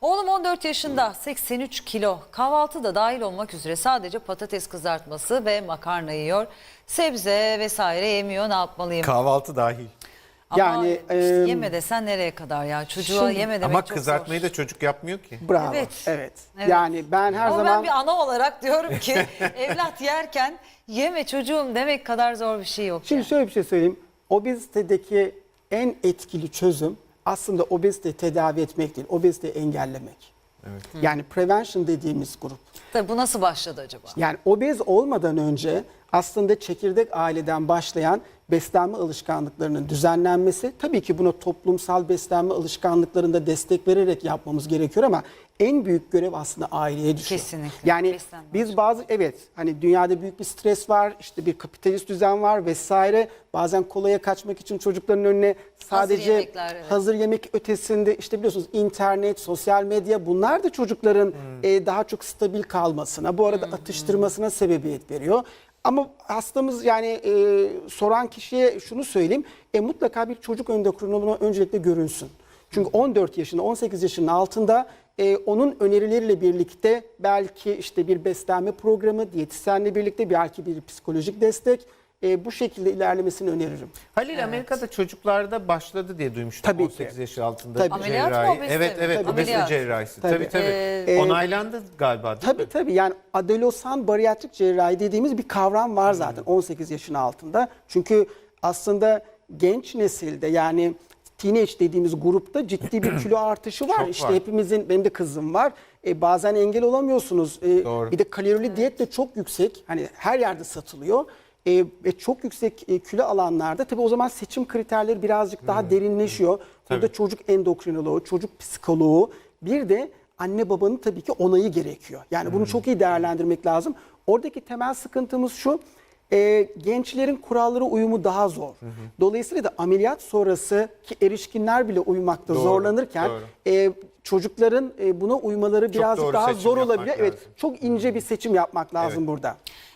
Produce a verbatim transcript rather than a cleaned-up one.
Oğlum on dört yaşında, seksen üç kilo, kahvaltı da dahil olmak üzere sadece patates kızartması ve makarna yiyor. Sebze vesaire yemiyor, ne yapmalıyım? Kahvaltı dahil. Ama Yani, işte e, yeme desen nereye kadar ya? Çocuğa Şimdi- yeme demek Ama çok kızartmayı zor. da çocuk yapmıyor ki. Bravo. Evet. Evet. Evet. Yani ben her Ama zaman ben bir ana olarak diyorum ki evlat yerken yeme çocuğum demek kadar zor bir şey yok. şimdi yani. şöyle bir şey söyleyeyim. Obezitedeki en etkili çözüm aslında obeziteyi tedavi etmek değil, obeziteyi engellemek. Evet. Yani prevention dediğimiz grup. Tabii bu nasıl başladı acaba? Yani obez olmadan önce aslında çekirdek aileden başlayan beslenme alışkanlıklarının düzenlenmesi, tabii ki buna toplumsal beslenme alışkanlıklarında destek vererek yapmamız gerekiyor ama en büyük görev aslında aileye düşüyor. Kesinlikle. Yani Beslenme biz bazı evet hani dünyada büyük bir stres var, işte bir kapitalist düzen var vesaire. Bazen kolaya kaçmak için çocukların önüne sadece yemekler, evet. hazır yemek ötesinde işte biliyorsunuz internet, sosyal medya bunlar da çocukların e, daha çok stabil kalmasına, bu arada atıştırmasına sebebiyet veriyor. Ama hastamız yani e, soran kişiye şunu söyleyeyim, e, mutlaka bir çocuk endokrinoloğuna öncelikle görünsün. Çünkü on dört yaşında, on sekiz yaşının altında e, onun önerileriyle birlikte belki işte bir beslenme programı, diyetisyenle birlikte belki bir psikolojik destek e, bu şekilde ilerlemesini öneririm. Halil Amerika'da çocuklarda başladı diye duymuştum. Tabii on ki. sekiz yaş altında Tabii. Ameliyat mı, cerrahi. obezite Evet mi? evet Tabii. obezite Ameliyat. cerrahisi. Tabii. Tabii tabii. Ee, Onaylandı galiba değil Tabii mi? tabii yani adolesan bariyatrik cerrahi dediğimiz bir kavram var zaten on sekiz yaşın altında. Çünkü aslında genç nesilde yani teenage dediğimiz grupta ciddi bir kilo artışı var. Çok işte var. hepimizin, benim de kızım var. E, bazen engel olamıyorsunuz. E, Doğru. bir de kalorili diyet de çok yüksek. Hani her yerde satılıyor. E, ve çok yüksek e, kilo alanlarda tabii o zaman seçim kriterleri birazcık daha derinleşiyor. Burada Tabii. çocuk endokrinoloğu, çocuk psikoloğu, bir de anne babanın tabii ki onayı gerekiyor. Yani bunu çok iyi değerlendirmek lazım. Oradaki temel sıkıntımız şu, e, gençlerin kurallara uyumu daha zor. Dolayısıyla da ameliyat sonrası ki erişkinler bile uyumakta Doğru, zorlanırken doğru. e, çocukların e, buna uymaları birazcık doğru daha seçim zor yapmak olabilir. Evet, lazım. çok ince bir seçim yapmak lazım Evet. burada.